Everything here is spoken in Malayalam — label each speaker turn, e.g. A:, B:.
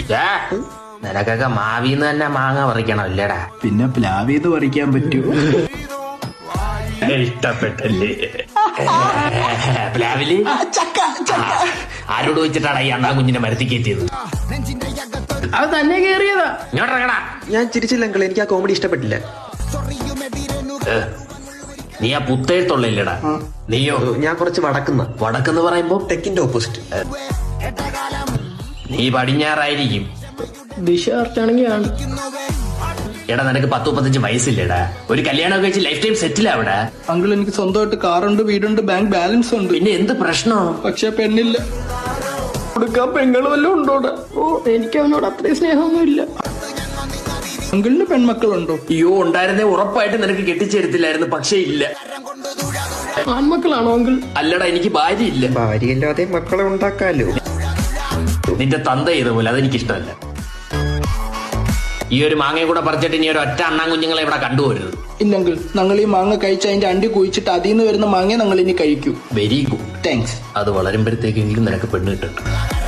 A: നിനക്കൊക്കെ മാവിന്ന് തന്നെ മാങ്ങ പറിക്കണം ഇല്ലടാ.
B: പിന്നെ പ്ലാവിന്ന് പറിക്കാൻ പറ്റൂ?
A: ഇഷ്ടപ്പെട്ടല്ലേ പ്ലാവില്? ആരോട് വെച്ചിട്ടാണ് ഈ അണ്ണാ കുഞ്ഞിനെ മരത്തി കയറ്റിയത്?
B: അത് തന്നെ കേറിയതാ.
A: ഇങ്ങോട്ടിറങ്ങടാ.
C: ഞാൻ ചിരിച്ചില്ല അങ്കിൾ, എനിക്ക് ആ കോമഡി ഇഷ്ടപ്പെട്ടില്ല.
A: നീ ആ പുത്തേഴ്ത്തുള്ളില്ലടാ. നീയോ?
C: ഞാൻ കുറച്ച്
A: വടക്കെന്ന് പറയുമ്പോ
C: തെക്കിന്റെ ഓപ്പോസിറ്റ്.
A: നീ പടിഞ്ഞാറായിരിക്കും.
B: ദിശ ആണെങ്കിൽ
A: എടാ നിനക്ക് 10-35 വയസ്സില്ലേടാ? ഒരു കല്യാണം കഴിച്ച് ലൈഫ് ടൈം സെറ്റിൽ ആവടാ.
B: അങ്കിൾ എനിക്ക് സ്വന്തമായിട്ട് കാറുണ്ട്, വീടുണ്ട്, ബാങ്ക് ബാലൻസ് ഉണ്ട്.
A: പിന്നെ എന്ത് പ്രശ്നം?
B: പക്ഷെ പെണ്ണില്ല. കൊടുക്കാൻ പെങ്ങൾ വല്ലതും ഉണ്ടോടാ? ഓ, എനിക്ക് അവനോട് അത്രയും സ്നേഹമൊന്നുമില്ല. അങ്കിളിന് പെൺമക്കളുണ്ടോ?
A: അയ്യോ, ഉണ്ടായിരുന്നേ ഉറപ്പായിട്ട് നിനക്ക് കെട്ടിച്ചേരത്തില്ലായിരുന്നു. പക്ഷെ ഇല്ല.
B: ആൺമക്കളാണോ അങ്കിൾ?
A: അല്ലടാ, എനിക്ക് ഭാര്യ ഇല്ല.
C: ഭാര്യയില്ലാതെ മക്കളെ ഉണ്ടാക്കാലോ.
A: നിന്റെ തന്ത ചെയ്തപോലെ അതെനിക്കിഷ്ടമല്ല. ഈ ഒരു മാങ്ങയും കൂടെ പറിച്ചിട്ട് ഇനി ഒരു ഒറ്റ അണ്ണാൻ കുഞ്ഞുങ്ങളെ ഇവിടെ കണ്ടുപോരുത്.
B: ഇല്ലെങ്കിൽ ഞങ്ങൾ ഈ മാങ്ങ കഴിച്ച് അതിന്റെ അണ്ടി കുഴിച്ചിട്ട് അതിൽ നിന്ന് വരുന്ന മാങ്ങ ഞങ്ങൾ ഇനി കഴിക്കൂ.
A: Very good,
B: thanks.
A: അത് വളരുമ്പോഴത്തേക്കെങ്കിലും നിനക്ക് പെണ്ണ് കിട്ടും.